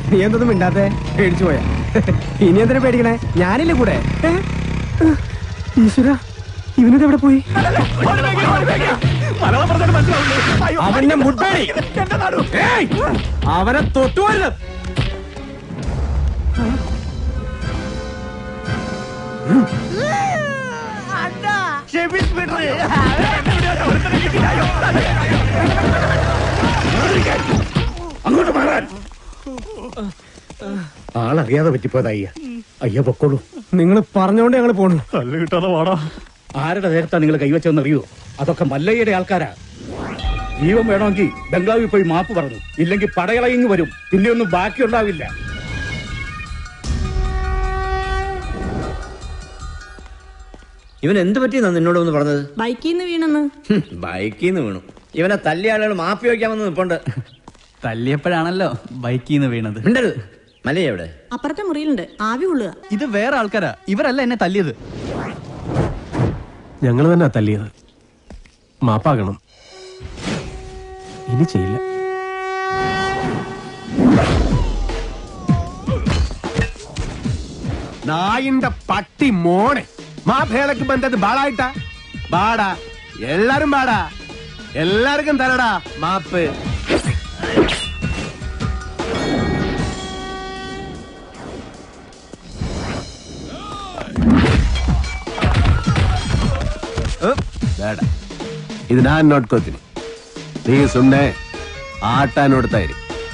നീ എന്തൊന്നും മിണ്ടാത്തെ? പേടിച്ചു പോയാ? ഇനി എന്തിനാ പേടിക്കണേ? ഞാനില്ലേ കൂടെ. ഈശ്വര, ഇവനത് എവിടെ പോയി? അവന്റെ മുട്ടടി, അവനെ തൊട്ടുപോയത്. അങ്ങോട്ട് മാറാൻ. ആളറിയാതെ പറ്റിപ്പോയതാ അയ്യ. അയ്യ പൊക്കോളൂ. നിങ്ങൾ പറഞ്ഞോണ്ട് ഞങ്ങൾ പോണു. കല്ല് കിട്ടാതെ വാടാ. ആരുടെ നേരത്താ നിങ്ങൾ കൈവച്ചെന്നറിയോ? അതൊക്കെ മല്ലയ്യയുടെ ആൾക്കാരാ. ജീവൻ വേണമെങ്കിൽ ബംഗ്ലാവിൽ പോയി മാപ്പ് പറഞ്ഞു, ഇല്ലെങ്കിൽ പടയളയിങ് വരും. പിന്നെ ഒന്നും ബാക്കിയുണ്ടാവില്ല. ഇവൻ എന്ത് പറ്റിയെന്നാ നിന്നോടൊന്ന് പറഞ്ഞത്? ബൈക്കിൽ നിന്ന് വീണെന്ന്. ബൈക്കിൽ നിന്ന് വീണു. ഇവനെ തല്ലിയ ആളുകൾ മാപ്പി വയ്ക്കാമെന്ന് നിപ്പുണ്ട്. തല്ലിയപ്പോഴാണല്ലോ ബൈക്കിൽ നിന്ന് വീണത്. ഉണ്ടത് മലയ എവിടെ? അപ്പുറത്തെ മുറിയിലുണ്ട്, ആവി കൊള്ളുക. ഇത് വേറെ ആൾക്കാരാ, ഇവരല്ല എന്നെ തല്ലിയത്. ഞങ്ങൾ തന്നെ തല്ലിയത്. മാപ്പാകണം. ഇനി ചെയ്യില്ല. നായിന്റെ പട്ടി മോനെ, മാപ്പേളക്ക് ബന്ധത് ബാളായിട്ടാ? ബാടാ, എല്ലാരും ബാടാ, എല്ലാവർക്കും തരടാ മാപ്പ്. ಇದು ನಾನು ನೋಡ್ಕೋತೀನಿ. ನೀ ಸುಮ್ಮನೆ ಆಟ ನೋಡ್ತಾ ಇರಿ.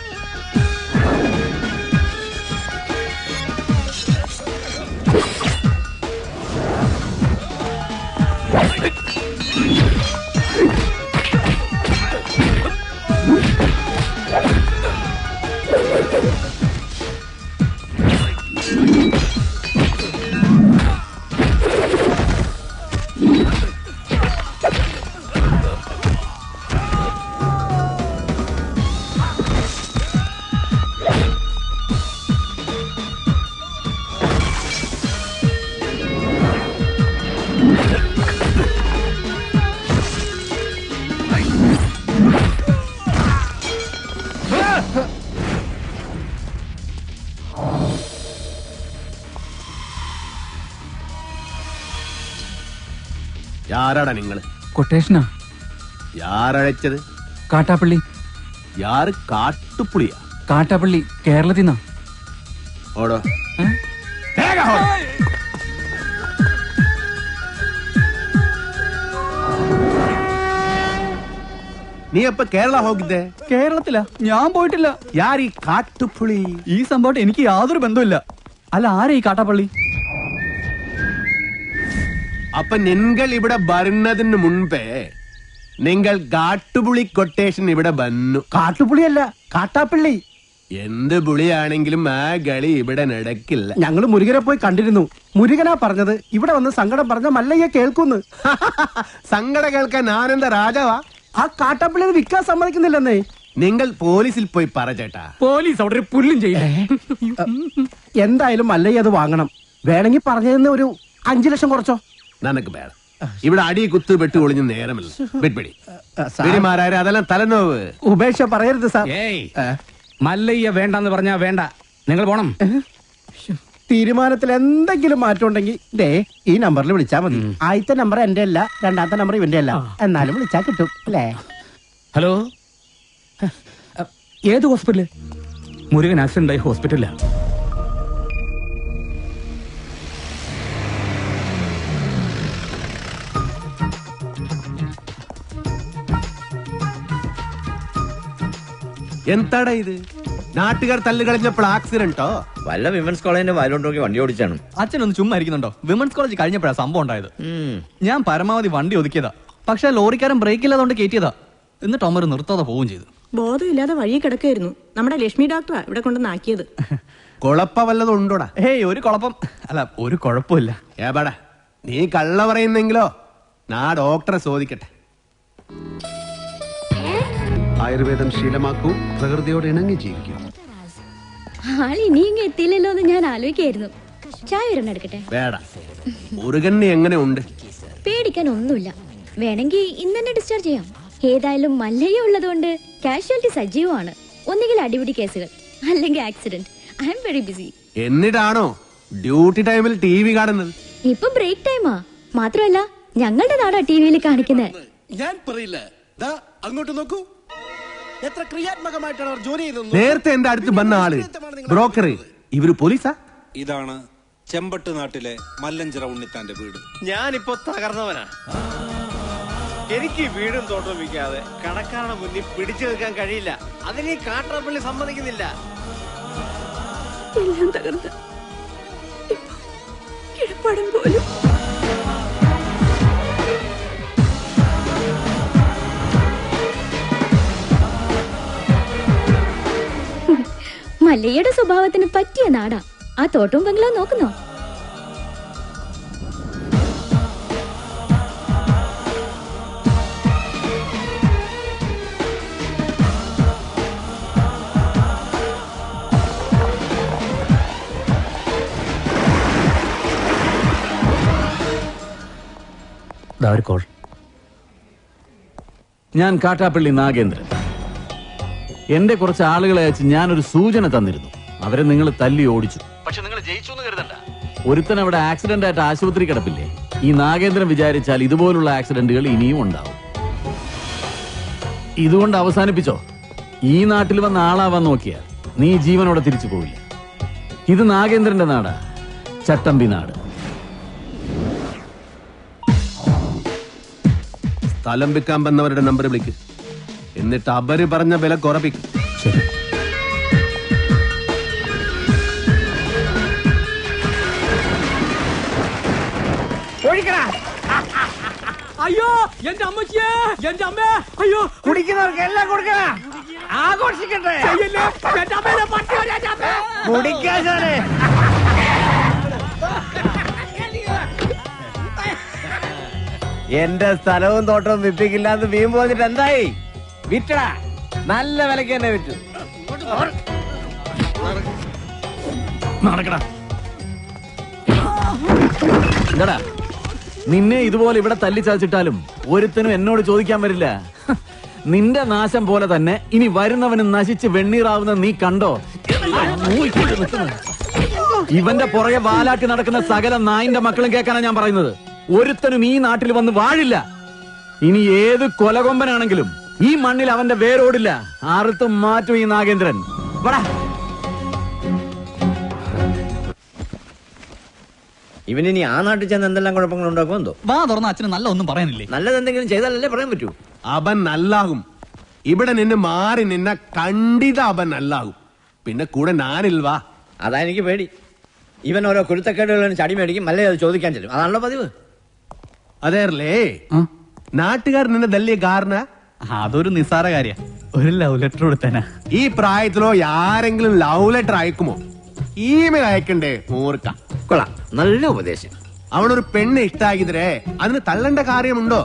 യാരാടാ നിങ്ങള്? കൊട്ടേഷനാ. യാരഴച്ചത്? കാട്ടാപ്പള്ളി. യാറ്? കാട്ടുപുളിയാ? കാട്ടാപ്പള്ളി, കേരളത്തിൽ നിന്നാ. ഓടോ. നീ അപ്പൊ കേരള ಹೋಗಿದ್ದೆ? കേരളത്തിലാ? ഞാൻ പോയിട്ടില്ല. യാർ ഈ കാട്ടുപുളി? ഈ സംഭവം എനിക്ക് യാതൊരു ബന്ധമില്ല. അല്ല, ആരാ ഈ കാട്ടാപ്പള്ളി? അപ്പൊ നിങ്ങൾ ഇവിടെ വരുന്നതിന് മുൻപേ നിങ്ങൾ കാട്ടുപുളി കൊട്ടേഷൻ ഇവിടെ വന്നു. കാട്ടുപുളിയല്ല, കാട്ടാപ്പള്ളി. എന്ത് പുളിയാണെങ്കിലും ആ കളി ഇവിടെ നടക്കില്ല. ഞങ്ങൾ മുരുകനെ പോയി കണ്ടിരുന്നു. മുരുകനാ പറഞ്ഞത് ഇവിടെ വന്ന് സങ്കടം പറഞ്ഞ മല്ലയ്യ കേൾക്കുന്നു. സങ്കടം കേൾക്കാൻ ആനന്ദ രാജാവാ. ആ കാട്ടാപ്പള്ളി വിൽക്കാൻ സമ്മതിക്കുന്നില്ലെന്നേ. നിങ്ങൾ പോലീസിൽ പോയി പറ ചേട്ടാ. പോലീസ് അവിടെ പുല്ലും ചെയ്യില്ല. എന്തായാലും മല്ലയ്യ അത് വാങ്ങണം. വേണമെങ്കിൽ പറഞ്ഞതിന് ഒരു 5 ലക്ഷം കുറച്ചോ. നനക്ക് വേണം. ഇവിടെ അടി കുത്ത് വെട്ട് ഒളിഞ്ഞ് നേരമില്ല. വെടിമാരായ അതെല്ലാം തലനോവ്. ഉപേക്ഷ പറയരുത് സാർ. മല്ലയ്യ വേണ്ടെന്ന് പറഞ്ഞാ വേണ്ട. നിങ്ങൾ പോണം. തീരുമാനത്തിൽ എന്തെങ്കിലും മാറ്റം ഉണ്ടെങ്കിൽ ദേ ഈ നമ്പറിൽ വിളിച്ചാൽ മതി. ആദ്യത്തെ നമ്പർ എന്റെ അല്ല, രണ്ടാമത്തെ നമ്പർ ഇവന്റെ അല്ല. എന്നാലും വിളിച്ചാൽ കിട്ടും അല്ലേ? ഹലോ, ഏത് ഹോസ്പിറ്റല്? മുരുകൻ ആക്സിഡന്റ് ആയി ഹോസ്പിറ്റലിലാ. എന്താടാ ഇത്? നാട്ടുകാർ തല്ല് കളഞ്ഞപ്പോൾ ആക്സിഡന്റോ? വല്ല വിമൻസ് കോളേജിന്റെ വയലോട്ട് വണ്ടി ഓടിച്ചാണ്. അച്ഛനൊന്ന് ചുമ്മാ ഇരിക്കുന്നുണ്ടോ? വിമൻസ് കോളേജ് കഴിഞ്ഞപ്പോഴാ സംഭവം ഉണ്ടായത്. ഞാൻ പരമാവധി വണ്ടി ഒതുക്കിയതാ. പക്ഷെ ലോറിക്കാരൻ ബ്രേക്ക് ഇല്ലാതുകൊണ്ട് കയറ്റിയതാ. എന്നിട്ട് അമ്മ നിർത്താതെ പോവുകയും ചെയ്തു. ബോധമില്ലാതെ വഴി കിടക്കായിരുന്നു. നമ്മുടെ ലക്ഷ്മി ഡോക്ടറാ ഇവിടെ കൊണ്ടുവന്നാക്കിയത്. കുഴപ്പ വല്ലതും ഉണ്ടോടാ? ഹേയ്, ഒരു കുഴപ്പം അല്ല, ഒരു കുഴപ്പമില്ല. ഏപാടാ, നീ കള്ള പറയുന്നെങ്കിലോ നാ ഡോക്ടറെ ചോദിക്കട്ടെ. ആയുർവേദം ശീലമാക്കൂ, പ്രകൃതിയോട് ഇണങ്ങി ജീവിക്കൂ. ആൾ ഇനിയും എത്തിയില്ലല്ലോ എന്ന് ഞാൻ ആലോചിക്കായിരുന്നു. ചായ ഒരെണ്ണം എടുക്കട്ടെ? വേട. മുരുകന് എങ്ങനെ ഉണ്ട്? പേടിക്കാൻ ഒന്നുമില്ല. വേണമെങ്കിൽ ഇന്ന് തന്നെ ഡിസ്ചാർജ് ചെയ്യാം. ഏതായാലും മല്ലയ്യ ഉള്ളതുകൊണ്ട് കാഷ്വാലിറ്റി സജീവമാണ്. ഒന്നുകിൽ അടിപിടി കേസുകൾ, അല്ലെങ്കിൽ accident. I am very busy. എന്നിട്ടാണോ ഡ്യൂട്ടി ടൈമിൽ TV കാണുന്നത്? ഇപ്പൊ ബ്രേക്ക് ടൈമാ. മാത്രമല്ല ഞങ്ങളുടെ നാടാ ടിവിയിൽ കാണിക്കുന്നത്. ഞാൻ പറയില്ല. ദാ അങ്ങോട്ട് നോക്കൂ, എത്ര ക്രിയാത്മകമായിട്ടാണ് അവർ ജോലി ചെയ്തത്. നേരത്തെ എന്റെ അടുത്ത് വന്ന ആള് ബ്രോക്കർ, ഇവര് പോലീസാ? ഇതാണ് ചെമ്പട്ട് നാട്ടിലെ മല്ലഞ്ചിറ ഉണ്ണിത്താന്റെ വീട്. ഞാനിപ്പോ തകർന്നവനാ. എനിക്ക് വീടും തോട്ടവും വിൽക്കാതെ കടക്കാരുടെ മുന്നിൽ പിടിച്ചു നിൽക്കാൻ കഴിയില്ല. അതിന് ഈ കാട്ടാപ്പള്ളി സമ്മതിക്കുന്നില്ല. എല്ലാം തകർന്ന് ഇപ്പൊ കിഴപ്പടം പോലും. മല്ലയ്യയുടെ സ്വഭാവത്തിന് പറ്റിയ നാടാ. ആ തോട്ടവും ബംഗ്ലാവ് നോക്കുന്നോ? കോൾ. ഞാൻ കാട്ടാപ്പള്ളി നാഗേന്ദ്രൻ. എന്റെ കുറച്ച് ആളുകളെ അയച്ച് ഞാനൊരു സൂചന തന്നിരുന്നു. അവരെ നിങ്ങൾ തല്ലി ഓടിച്ചു. പക്ഷെ നിങ്ങൾ ജയിച്ചു എന്ന് കരുതണ്ട. ഒരുത്തൻ അവിടെ ആക്സിഡന്റ് ആയിട്ട് ആശുപത്രി കിടപ്പില്ലേ? ഈ നാഗേന്ദ്രൻ വിചാരിച്ചാൽ ഇതുപോലുള്ള ആക്സിഡന്റുകൾ ഇനിയും ഉണ്ടാവും. ഇതുകൊണ്ട് അവസാനിപ്പിച്ചോ. ഈ നാട്ടിൽ വന്ന ആളാവാൻ നോക്കിയാൽ നീ ജീവനോടെ തിരിച്ചു പോവില്ല. ഇത് നാഗേന്ദ്രന്റെ നാടാ, ചട്ടമ്പി നാട്. സ്ഥലം വിൽക്കാൻ വന്നവരുടെ നമ്പർ വിളിക്ക്. എന്നിട്ട് അവര് പറഞ്ഞ വില കുറപ്പിക്കും. ശരി. അയ്യോ എന്റെ അമ്മച്ചിയെ, എന്റെ അമ്മേ, അയ്യോ കുടിക്കുന്നവർക്ക് എല്ലാം കൊടുക്കണ, ആഘോഷിക്കട്ടെ. എന്റെ അമ്മേനെ പട്ടി വരെ എന്റെ അമ്മേ. കുടിക്കാശാനെ എന്റെ സ്ഥലവും തോട്ടവും വിപ്പിക്കില്ലാന്ന് വീമ്പ് പോന്നിട്ട് എന്തായി? വിറ്റടാ, നല്ല വിലക്ക് തന്നെ വിറ്റു. നടക്കടാ. എന്താടാ, നിന്നെ ഇതുപോലെ ഇവിടെ തല്ലിച്ചതച്ചിട്ടാലും ഒരുത്തനും എന്നോട് ചോദിക്കാൻ വരില്ല. നിന്റെ നാശം പോലെ തന്നെ ഇനി വരുന്നവന് നശിച്ച് വെണ്ണീറാവുന്ന നീ കണ്ടോ? ഇവന്റെ പുറകെ വാലാട്ടി നടക്കുന്ന സകല നായിന്റെ മക്കളും കേൾക്കാനാ ഞാൻ പറയുന്നത്. ഒരുത്തനും ഈ നാട്ടിൽ വന്ന് വാഴില്ല. ഇനി ഏത് കൊലകൊമ്പനാണെങ്കിലും ഈ മണ്ണിൽ അവന്റെ വേരോടില്ല. ആർത്തും മാറ്റും ഈ നാഗേന്ദ്രൻ. ഇവനിനി ആ നാട്ടിൽ ചെന്ന് എന്തെല്ലാം കുഴപ്പങ്ങൾ ഉണ്ടാക്കും എന്തോ. വാ തുറന്ന അച്ഛന് നല്ല ഒന്നും പറയാനില്ലേ? നല്ലതെന്തെങ്കിലും ചെയ്താലല്ലേ പറയാൻ പറ്റൂ. അവൻ നല്ലാകും. ഇവിടെ നിന്ന് മാറി നിന്ന കണ്ടിത അവൻ നല്ലാകും. പിന്നെ കൂടെ ഞാനിൽവാ. അതാ എനിക്ക് പേടി. ഇവൻ ഓരോ കുരുത്തക്കേടുകളും ചടി മേടിക്കും, മല്ലേ അത് ചോദിക്കാൻ ചെല്ലും. അതാണല്ലോ പതിവ്. അതേറല്ലേ നാട്ടുകാർ നിന്നെ തല്ലിയ കാരണം? അതൊരു നിസ്സാര കാര്യ. ഒരു ലവ് ലെറ്റർ കൊടുത്തേനാ. ഈ പ്രായത്തിലോ ആരെങ്കിലും ലവ് ലെറ്റർ അയക്കുമോ? ഇമെയിൽ അയക്കണ്ടേ മൂർക്ക. കൊള്ളാം, നല്ല ഉപദേശം. അവനൊരു പെണ്ണ് ഇഷ്ടാക്കിതരേ അതിന് തള്ളേണ്ട കാര്യമുണ്ടോ?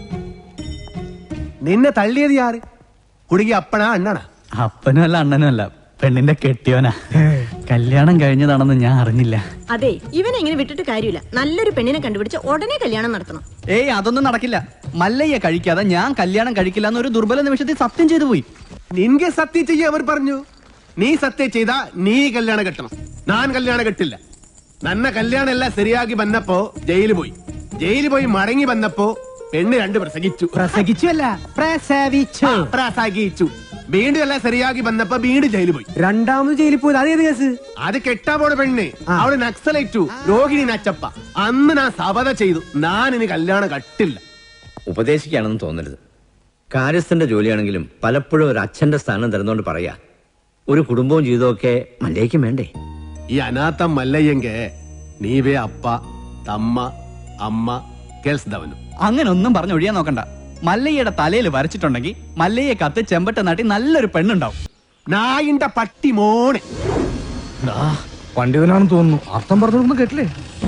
നിന്നെ തള്ളിയത് ആര്? കുടുങ്ങി അപ്പനാ അണ്ണനാ? അപ്പനും അല്ല അണ്ണനും അല്ല, പെണ്ണിന്റെ കെട്ടിയോനാ. കല്യാണം കഴിഞ്ഞതാണെന്ന് ഞാൻ അറിഞ്ഞില്ല. അതെ, ഇവനെ ഇങ്ങനെ വിട്ടിട്ട് കാര്യമില്ല. നല്ലൊരു പെണ്ണിനെ കണ്ടുപിടിച്ച് ഉടനെ കല്യാണം നടത്തണം. ഏയ് അതൊന്നും നടക്കില്ല. മല്ലയ്യ കഴിക്കാതെ ഞാൻ കല്യാണം കഴിക്കില്ല എന്നൊരു ദുർബല നിമിഷത്തിൽ സത്യം ചെയ്തു പോയി. നിൻകെ സത്യം ചെയ്യ അവർ പറഞ്ഞു. നീ സത്യം ചെയ്താ നീ കല്യാണം കെട്ടണം. ഞാൻ കല്യാണം കെട്ടില്ല. നന്ന കല്യാണം എല്ലാം ശരിയാക്കി വന്നപ്പോ ജയിലിൽ പോയി മടങ്ങി വന്നപ്പോ പെണ്ണ് 2 പ്രസംഗിച്ചു. പ്രസംഗിച്ചല്ല, പ്രസവിച്ചു. പ്രസംഗിച്ചു. വീണ്ടും എല്ലാം ശരിയാക്കി വന്നപ്പോ വീണ്ടും ജയിലിൽ പോയി. രണ്ടാമത് ജയിലിൽ പോയത് അതേത് കേസ്? അത് കെട്ടാ പോണ പെണ്ണ്. അവള് നക്സലേറ്റു, രോഹിണി നച്ചപ്പ. അന്ന് ഞാൻ സബത ചെയ്തു, ഞാൻ ഇനി കല്യാണം കട്ടില്ല. ഉപദേശിക്കുകയാണെന്ന് തോന്നരുത്. കാര്യസ്ഥന്റെ ജോലിയാണെങ്കിലും പലപ്പോഴും ഒരു അച്ഛന്റെ സ്ഥാനം തരുന്നോണ്ട് പറയാ, ഒരു കുടുംബവും ജീവിതമൊക്കെ മല്ലേക്കും വേണ്ടേ? ഈ അനാഥ മല്ലയ്യെങ്ക നീവേ അപ്പ തമ്മ അമ്മ കേൾസ്തവനും. അങ്ങനെ ഒന്നും പറഞ്ഞ് ഒഴിയാൻ നോക്കണ്ട. മല്ലയ്യയുടെ തലയിൽ വരച്ചിട്ടുണ്ടെങ്കിൽ മല്ലയ്യെ കത്ത് ചെമ്പട്ട നാട്ടി നല്ലൊരു പെണ്ണുണ്ടാവും. നായിന്റെ പട്ടി മോനെ. പണ്ഡിതനാണെന്ന് തോന്നുന്നു. അർത്ഥം പറഞ്ഞൊന്നും കേട്ടില്ലേ?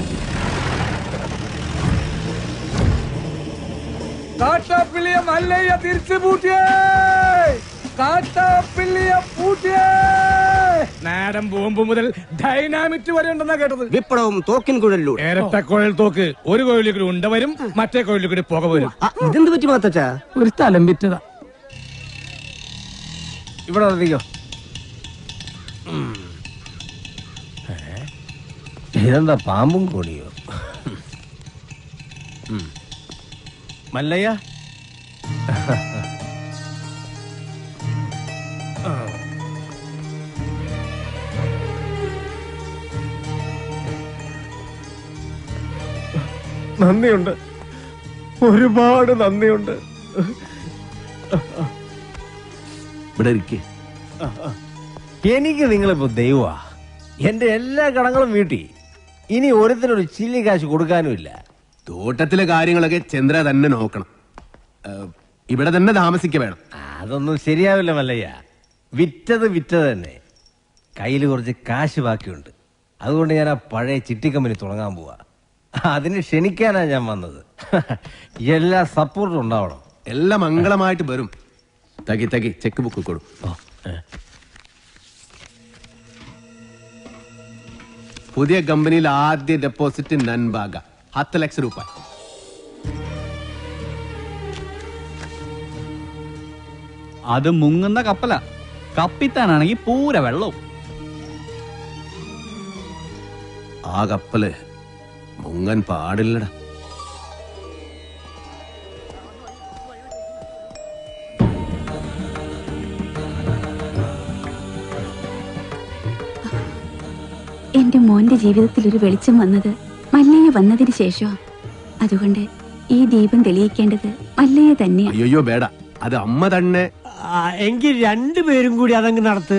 കാട്ടാപ്പിള്ളിയെ മല്ലയ്യ തിരിച്ചു പൂട്ടിയേ. കാട്ടാപ്പിള്ളിയെ പൂട്ടിയേ. നാടൻ ബോംബ് മുതൽ ഡൈനാമിറ്റ് വരെ ഉണ്ടെന്നാ കേട്ടത്. വിപ്ലവം തോക്കിൻ കുഴലിലൂടെ. ഇരട്ട കുഴൽ തോക്ക്. ഒരു കുഴലിൽ കൂടി ഉണ്ട വരും, മറ്റേ കുഴലിൽ കൂടി പുക വരും. ഇതെന്ത് പറ്റി മാത്തച്ചാ? ഒരു സ്ഥലം വിറ്റതാ. ഇവിടെ വന്നിക്കോ. ഇതെന്താ പാമ്പും കൂടിയോ? മല്ലയ്യ, നന്ദിയുണ്ട്, ഒരുപാട് നന്ദിയുണ്ട്. ഇവിടെ ഇരിക്കേ. എനിക്ക് നിങ്ങളിപ്പോ ദൈവമാ. എന്റെ എല്ലാ കടങ്ങളും വീട്ടി. ഇനി ഓരോരുത്തരൊരു ചില്ലി കാശ് കൊടുക്കാനുമില്ല. തോട്ടത്തിലെ കാര്യങ്ങളൊക്കെ ചന്ദ്ര തന്നെ നോക്കണം. ഇവിടെ തന്നെ താമസിക്ക വേണം. അതൊന്നും ശരിയാവില്ല മല്ലയ്യ. വിറ്റത് തന്നെ. കയ്യിൽ കുറച്ച് കാശ് ബാക്കിയുണ്ട്. അതുകൊണ്ട് ഞാൻ ആ പഴയ ചിട്ടി കമ്പനി തുടങ്ങാൻ പോവാ. അതിന് ക്ഷണിക്കാനാ ഞാൻ വന്നത്. എല്ലാ സപ്പോർട്ടും ഉണ്ടാവണം. എല്ലാം മംഗളമായിട്ട് വരും. തകി ചെക്ക് ബുക്ക് കൊടു. പുതിയ കമ്പനിയിൽ ആദ്യ ഡെപ്പോസിറ്റ് നൻബാഗ 10 ലക്ഷം രൂപ. അത് മുങ്ങുന്ന കപ്പല. കപ്പിത്താനാണെങ്കിൽ പൂര വെള്ളവും. ആ കപ്പല് മുങ്ങൻ പാടില്ലടാ. എന്റെ മോന്റെ ജീവിതത്തിൽ ഒരു വെളിച്ചം വന്നത് മല്ലയ്യ വന്നതിന് ശേഷമാ. അതുകൊണ്ട് ഈ ദീപം തെളിയിക്കേണ്ടത് മല്ലയ്യ തന്നെയാ. അയ്യോ വേട, അത് അമ്മ തന്നെ. എങ്കിൽ രണ്ടുപേരും കൂടി അതങ്ങ് നടത്ത്.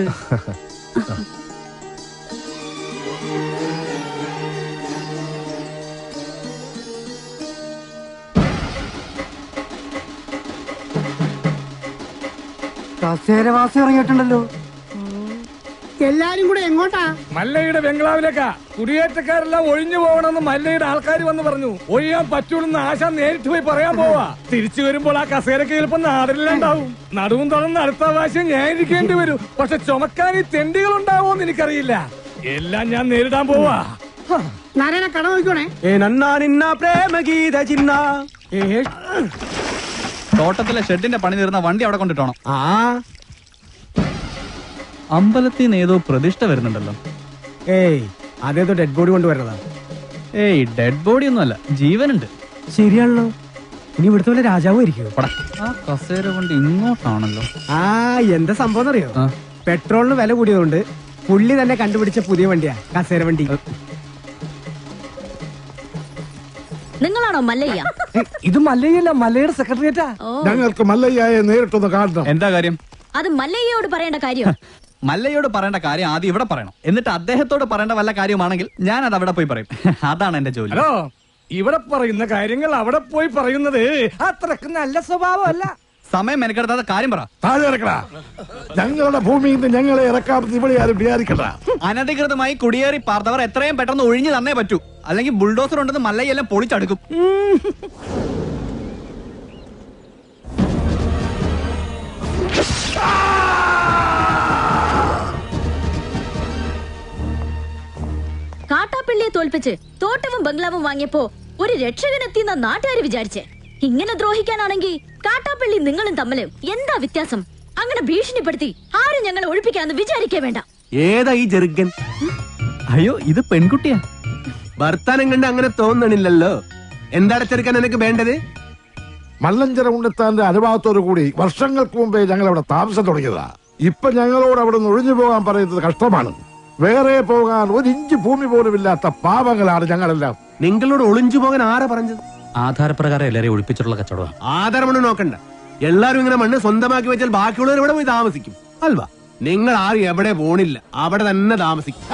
കസേരവാസി ഇറങ്ങിയിട്ടുണ്ടല്ലോ. എല്ലാരും കൂടെ എങ്ങോട്ടാ? മല്ലയുടെ ബംഗ്ലാവിലേക്കാ. കുടിയേറ്റക്കാരെല്ലാം ഒഴിഞ്ഞു പോകണമെന്ന് മല്ലയുടെ ആൾക്കാർ വന്ന് പറഞ്ഞു. ഒഴിയാൻ പറ്റൂലെന്ന് ആശ നേരിട്ട് പോയി പറയാൻ പോവാ. തിരിച്ചു വരുമ്പോൾ ആ കസേരക്ക് ചിലപ്പോ നാടില്ലാണ്ടാവും. നടുവും തുറന്ന് അടുത്ത പ്രാവശ്യം ഞാൻ ഇരിക്കേണ്ടി വരും. പക്ഷെ ചുമക്കാൻ ഈ തെണ്ടികൾ ഉണ്ടാവോന്ന് എനിക്കറിയില്ല. എല്ലാം ഞാൻ നേരിടാൻ പോവാ. നാരായണ കട നോക്കണേ. തോട്ടത്തിലെ ഷെഡിന്റെ പണി തീർന്ന വണ്ടി അവിടെ കൊണ്ടിട്ടോണം. അമ്പലത്തിൽ നിന്ന് ഏതോ പ്രതിഷ്ഠ വരുന്നുണ്ടല്ലോ. ഏയ്, അതേതോ ഡെഡ് ബോഡി കൊണ്ടുവരണതാ. ഏയ്, ഡെഡ് ബോഡി ഒന്നുമല്ല, ജീവനുണ്ട്. ശരിയാണല്ലോ. ഇനി ഇവിടുത്തെ പോലെ രാജാവും ആയിരിക്കും. ആ കസേര വണ്ടി ഇങ്ങോട്ടാണല്ലോ. എന്താ സംഭവം അറിയോ? പെട്രോളിന് വില കൂടിയതുകൊണ്ട് പുള്ളി തന്നെ കണ്ടുപിടിച്ച പുതിയ വണ്ടിയാ കസേര വണ്ടി. നിങ്ങളാണോ മല്ലയ്യ? ഇത് മല്ലയ്യല്ല, മല്ലയുടെ സെക്രട്ടറിയേറ്റാ. ഞങ്ങൾക്ക് മല്ലയ്യയെ നേരിട്ടൊന്ന് കാണണം. എന്താ കാര്യം? അത് മല്ലയ്യയോട് പറയേണ്ട കാര്യം. മല്ലയോട് പറയേണ്ട കാര്യം ആദ്യം ഇവിടെ പറയണം. എന്നിട്ട് അദ്ദേഹത്തോട് പറയേണ്ട വല്ല കാര്യമാണെങ്കിൽ ഞാൻ അത് അവിടെ പോയി പറയും. അതാണ് എന്റെ ജോലി. ഹലോ, ഇവിടെ പറയുന്ന കാര്യങ്ങൾ അവിടെ പോയി പറയുന്നത് അത്രക്ക് നല്ല സ്വഭാവമല്ല. സമയം മെനക്കെടുത്താതെ കാര്യം പറ. താഴെ ഇറക്കടാ. ഞങ്ങളുടെ ഭൂമിയിൽ നിന്ന് ഞങ്ങളെ ഇറക്കാമെന്ന് ഇവിടെ ആരും വിചാരിക്കണ്ട. അനധികൃതമായി കുടിയേറി പാർത്തവർ എത്രയും പെട്ടെന്ന് ഒഴിഞ്ഞു തന്നേ പറ്റൂ. അല്ലെങ്കിൽ ബുൾഡോസർ ഉണ്ടെന്ന് മല്ലയെല്ലാം പൊളിച്ചടുക്കും. കാട്ടാപ്പള്ളിയെ തോൽപ്പിച്ച് തോട്ടവും ബംഗ്ലാവും വാങ്ങിയപ്പോ ഒരു രക്ഷകനെത്തിയെന്ന നാട്ടുകാര് വിചാരിച്ചേ. ഇങ്ങനെ ദ്രോഹിക്കാനാണെങ്കിൽ കാട്ടാപ്പള്ളി നിങ്ങളും തമ്മില് എന്താ വ്യത്യാസം? അങ്ങനെ ഭീഷണിപ്പെടുത്തി ആരും ഞങ്ങളെ ഒഴിപ്പിക്കാന്ന് വിചാരിക്കേ വേണ്ട. ഏതാ ഈ ചെറുക്കൻ? അയ്യോ, ഇത് പെൺകുട്ടിയാ. ഭർത്താനം കണ്ട് അങ്ങനെ തോന്നണില്ലല്ലോ. എന്താണ് ചെറുക്കൻ എനിക്ക് വേണ്ടത്? മല്ലഞ്ചര ഉണ്ണിത്താന്റെ അനുഭവത്തോടു കൂടി വർഷങ്ങൾക്ക് മുമ്പേ ഞങ്ങൾ അവിടെ താമസം തുടങ്ങിയതാ. ഇപ്പൊ ഞങ്ങളോട് അവിടെ നിന്ന് ഒഴിഞ്ഞു പോകാൻ പറയുന്നത് കഷ്ടമാണ്. വേറെ പോകാൻ ഒരു ഇഞ്ച് ഭൂമി പോലും ഇല്ലാത്ത പാവങ്ങളാണ് ഞങ്ങളെല്ലാം. നിങ്ങളോട് ഒളിഞ്ചു പോകാൻ ആരാ പറഞ്ഞത്? ആധാരപ്രകാരം എല്ലാരെയും ഒഴിപ്പിച്ചിട്ടുള്ള കച്ചവടം. ആധാരമണ്ണ് നോക്കണ്ട. എല്ലാരും ഇങ്ങനെ മണ്ണ് സ്വന്തമാക്കി വെച്ചാൽ ബാക്കിയുള്ളവർ ഇവിടെ പോയി താമസിക്കും അൽവാ. നിങ്ങൾ ആരും എവിടെ പോണില്ല, അവിടെ തന്നെ താമസിക്കും.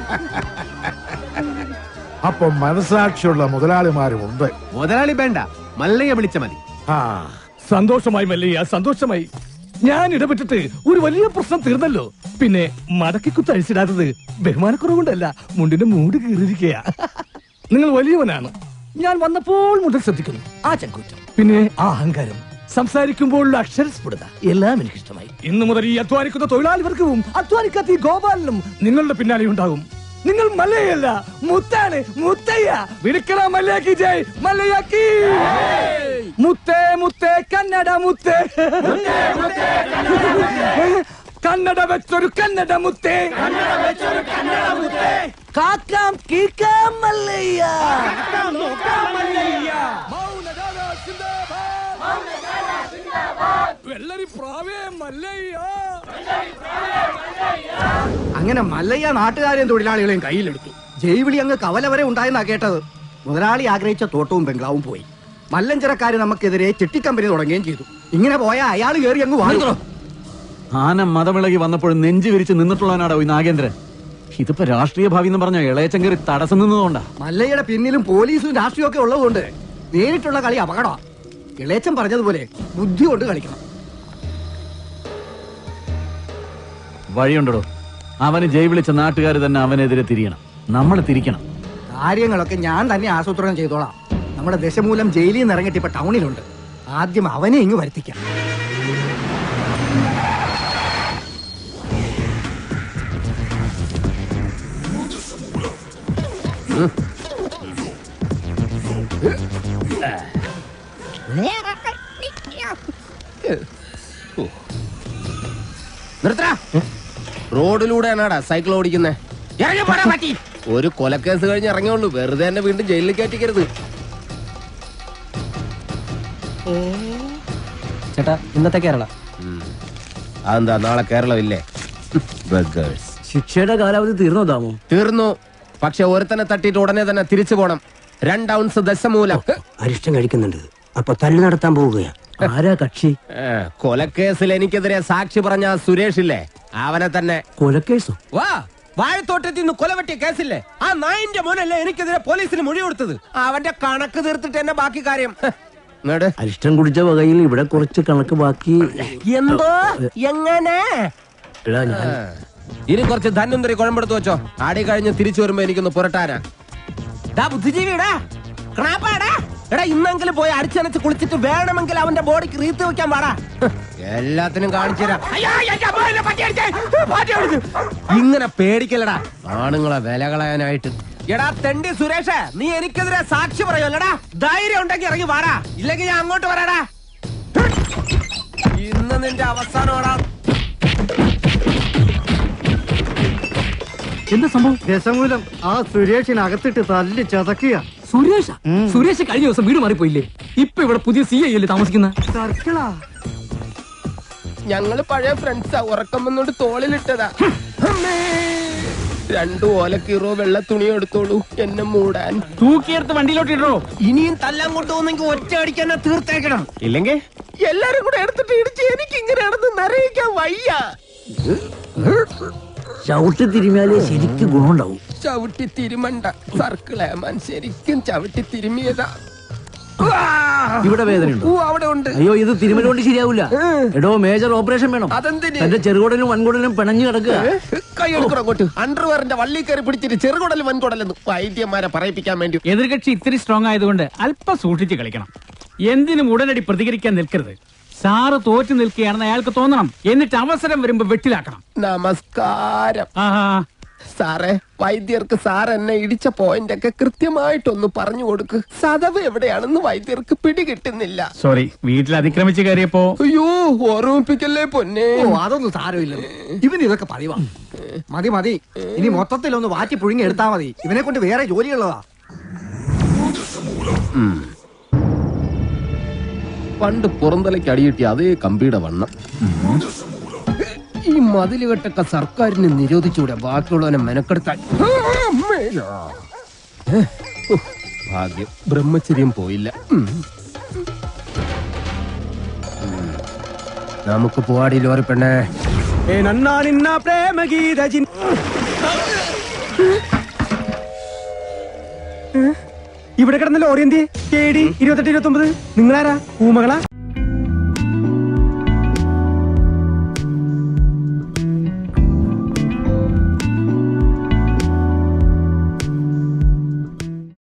അപ്പൊ മനസാക്ഷിയുള്ള മുതലാളിമാരും ഉണ്ട്. മുതലാളി വേണ്ട, മല്ലയെ വിളിച്ച മതി. സന്തോഷമായി മല്ലയ്യ, സന്തോഷമായി. ഞാൻ ഇടപെട്ടിട്ട് ഒരു വലിയ പ്രശ്നം തീർന്നല്ലോ. പിന്നെ മടക്കിക്കുത്ത് അഴിച്ചിടാത്തത് ബഹുമാനക്കുറവുകൊണ്ടല്ല, മുണ്ടിന്റെ മൂട് കീറിയിരിക്കുക. നിങ്ങൾ വലിയവനാണ്. ഞാൻ വന്നപ്പോൾ മുതൽ ശ്രദ്ധിക്കുന്നു ആ ചങ്കൂറ്റം, പിന്നെ ആ അഹങ്കാരം, സംസാരിക്കുമ്പോഴുള്ള അക്ഷരസ്ഫുടത എല്ലാം എനിക്കിഷ്ടമായി. ഇന്നു മുതൽ ഈ അധ്വാനിക്കുന്ന തൊഴിലാളി വർഗവും അധ്വാനിക്കാത്ത ഈ ഗോപാലനും നിങ്ങളുടെ പിന്നാലെ ഉണ്ടാകും. നിങ്ങൾ മല്ലയല്ല, മുത്താണ്, മുത്തയ്യ. വിളിക്കണ മല്ലയാക്കി ജയ്, മല്ലയാക്കി. മുത്തേ മുത്തേ കന്നഡ മുത്തേ. കന്നഡ വെച്ചൊരു കന്നഡ മുത്തേ, കാക്കാം കീക്കാം മല്ലയ്യ, വെള്ളരി പ്രാവേ മല്ലയ്യ. അങ്ങനെ മല്ലയ്യ നാട്ടുകാരെയും തൊഴിലാളികളെയും കയ്യിലെടുത്തു. ജൈവിളി അങ്ങ് കവല വരെ ഉണ്ടായെന്നാ കേട്ടത്. മുതലാളി ആഗ്രഹിച്ച തോട്ടവും ബംഗ്ലാവും പോയി. മല്ലഞ്ചരക്കാര് നമുക്കെതിരെ ചിട്ടിക്കമ്പനി തുടങ്ങുകയും ചെയ്തു. ഇങ്ങനെ പോയാൽ അയാൾ കയറി അങ്ങ് വാങ്ങുന്നു. ആന മതമിളകി വന്നപ്പോഴും നെഞ്ചു വിരിച്ച് നിന്നിട്ടുള്ളവനാടോ ഈ നാഗേന്ദ്രൻ. ഇതിപ്പോ രാഷ്ട്രീയ ഭാവി എന്ന് പറഞ്ഞ ഇളയച്ചൻ കയറി തടസ്സം നിന്നതുകൊണ്ടാ. മല്ലയ്യയുടെ പിന്നിലും പോലീസും രാഷ്ട്രീയവും ഒക്കെ ഉള്ളതുകൊണ്ട് നേരിട്ടുള്ള കളി അപകടമാണ്. ഇളയച്ചൻ പറഞ്ഞതുപോലെ ബുദ്ധി കൊണ്ട് കളിക്കണം. വഴിയുണ്ടോ? അവന് ജയ് വിളിച്ച നാട്ടുകാർ തന്നെ അവനെതിരെ തിരിയണം. നമ്മൾ തിരിക്കണം. കാര്യങ്ങളൊക്കെ ഞാൻ തന്നെ ആസൂത്രണം ചെയ്തോളാം. നമ്മുടെ ദശമൂലം ജയിലിൽ നിന്ന് ഇറങ്ങിയിട്ട് ഇപ്പൊ ടൗണിലുണ്ട്. ആദ്യം അവനെ ഇങ്ങ് വരുത്തിക്കാം. നിർത്തടാ. റോഡിലൂടെയാണാടാ സൈക്കിൾ ഓടിക്കുന്നേ. ഒരു കൊലക്കേസ് കഴിഞ്ഞ് ഇറങ്ങിയുള്ളൂ. വെറുതെ എന്നെ വീണ്ടും ജയിലിൽ കയറ്റിക്കരുത്. ചേട്ടാ, ഇന്നത്തെ കേരള അതെന്താ നാളെ കേരളം ഇല്ലേ? ശിക്ഷയുടെ കാലാവധി തീർന്നോ താമോ? തീർന്നു. പക്ഷെ ഒരുത്തനെ തട്ടിയിട്ട് ഉടനെ തന്നെ തിരിച്ചു പോണം. 2 ഔൺസ് ദശമൂലം. അരിഷ്ടം കഴിക്കുന്നുണ്ട്. അപ്പൊ തല്ലു നടത്താൻ പോവുകയാ. ആരാ കക്ഷി? കൊലക്കേസിൽ എനിക്കെതിരെ സാക്ഷി പറഞ്ഞ സുരേഷ് ഇല്ലേ, അവനെ തന്നെ. കൊലക്കേസോ? വാ, വാഴത്തോട്ടത്തിൽ നിന്ന് കൊലവെട്ടിയ കേസില്ലേ, ആ നായിന്റെ മോനല്ലേ എനിക്കെതിരെ പോലീസിന് മൊഴി കൊടുത്തത്. അവന്റെ കണക്ക് തീർത്തിട്ട് എന്നെ ബാക്കി കാര്യം. അരിഷ്ടം കുടിച്ച വകയിൽ ഇവിടെ കുറച്ച് കണക്ക് ബാക്കി. എന്തോ എങ്ങനെ? ഇനി കുറച്ച് ധന്വന്തരി കുഴമ്പെടുത്ത് വെച്ചോ. ആടി കഴിഞ്ഞ് തിരിച്ചു വരുമ്പോ എനിക്കൊന്ന് പുരട്ടാനാ. ബുദ്ധിജീവിടാ, എടാ ഇന്നെങ്കിലും പോയി അടിച്ചനച്ച് കുളിച്ചിട്ട് വേണമെങ്കിൽ അവന്റെ ബോഡിക്ക് റീത്ത് വെക്കാൻ പാടാ. എല്ലാത്തിനും കാണിച്ചു തരാം. ഇങ്ങനെ പേടിക്കലടാ ആണുങ്ങളെ വില കളയാനായിട്ട്. എടാ തെണ്ടി സുരേഷ്, നീ എനിക്കെതിരെ സാക്ഷി പറയുമല്ലടാ. ധൈര്യം ഉണ്ടെങ്കിൽ ഇറങ്ങി വാടാ, ഇല്ലെങ്കിൽ ഞാൻ അങ്ങോട്ട് വരാടാ. ഇന്ന് നിന്റെ അവസാനമാടാ. എന്താ സംഭവം? ദശമൂലം ആ സുരേഷിനകത്തിട്ട് തല്ലി ചതക്കുക. സുരേഷ് കഴിഞ്ഞ ദിവസം വീട് മാറിപ്പോയില്ലേ? ഇപ്പൊ ഇവിടെ പുതിയ CI അല്ലേ താമസിക്കുന്ന? ഞങ്ങള് പഴയ ഫ്രണ്ട്സാ. ഉറക്കം വന്നോണ്ട് തോളിലിട്ടതാ. 2 ഓലക്കീറോ വെള്ള തുണി എടുത്തോളൂ എന്നെ മൂടാൻ. തൂക്കിയെടുത്ത് വണ്ടിയിലോട്ട് ഇടോ. ഇനിയും തല്ലാൻ കൊണ്ടുപോകുന്നെങ്കിൽ ഒറ്റ അടിക്കാൻ തീർത്തേക്കണം. ഇല്ലെങ്കിൽ എല്ലാരും കൂടെ എടുത്തിട്ട് ഇടിച്ച് എനിക്ക് ഇങ്ങനെയാണെന്ന് നിറയിക്കാൻ വയ്യ. ചവിട്ടി തിരുമിയാലേ ശരിക്കും ഗുണമുണ്ടാവും. ചവിട്ടി തിരുമണ്ട സർക്കിളേമാൻ, ശരിക്കും ചവിട്ടി തിരുമിയതാ. ഇവിടെ വേദനയുണ്ടോ? അവിടെ ഉണ്ട്. അയ്യോ, ഇത് തിരുമല കൊണ്ട് ശരിയാവൂല. എടോ, മേജർ ഓപ്പറേഷൻ വേണം. അതെന്തിന്? എന്റെ ചെറുകുടലും വൻകുടലും പിണഞ്ഞു കിടക്കുക. കൈ എടുക്കണം അങ്ങോട്ട്. അണ്ടർവെയറിന്റെ വള്ളി കയറി പിടിച്ചിട്ട് ചെറുകുടലും വൻകുടലെന്ന് വൈദ്യന്മാരെ പറയിപ്പിക്കാൻ വേണ്ടി. എതിർകക്ഷി ഇത്തിരി സ്ട്രോങ് ആയതുകൊണ്ട് അല്പം സൂക്ഷിച്ച് കളിക്കണം. എന്തിനും ഉടനടി പ്രതികരിക്കാൻ നിൽക്കരുത്. സാറ് തോറ്റു നിൽക്കുകയാണെന്ന് അയാൾക്ക് തോന്നണം. എന്നിട്ട് അവസരം വരുമ്പോ വെട്ടിലാക്കണം. നമസ്കാരം സാറേ. വൈദ്യർക്ക് സാർ എന്നെ ഇടിച്ച പോയിന്റ് ഒക്കെ കൃത്യമായിട്ടൊന്ന് പറഞ്ഞു കൊടുക്ക്. സദവ് എവിടെയാണെന്ന് വൈദ്യർക്ക് പിടികിട്ടുന്നില്ല. സോറി, വീട്ടിൽ അതിക്രമിച്ച് കയറിയപ്പോ. അയ്യോ, ഓർമ്മിപ്പിക്കല്ലേ പൊന്നെ. അതൊന്നും സാരമില്ല. ഇവന് ഇതൊക്കെ പതിവാ. മതി മതി, ഇനി മൊത്തത്തിലൊന്ന് വാറ്റി പുഴുങ്ങി എടുത്താ മതി. ഇവനെ കൊണ്ട് വേറെ ജോലിയുള്ളതാ. പണ്ട് പുറന്തലയ്ക്ക് അടിയിട്ടി അതേ കമ്പിയുടെ വണ്ണം. ഈ മതിലുകെട്ടൊക്കെ സർക്കാരിന് നിരോധിച്ചൂടെ ബാക്കിയുള്ളവനെ മെനക്കെടുത്താൻ. ഭാഗ്യം, ബ്രഹ്മചര്യം പോയില്ല. നമുക്ക് പോവാടി ലോറി പെണ്ണേ. ഇവിടെ കിടന്ന ലോറി എന്തി KD 2829. നിങ്ങളാരാ? ഊമകളാ?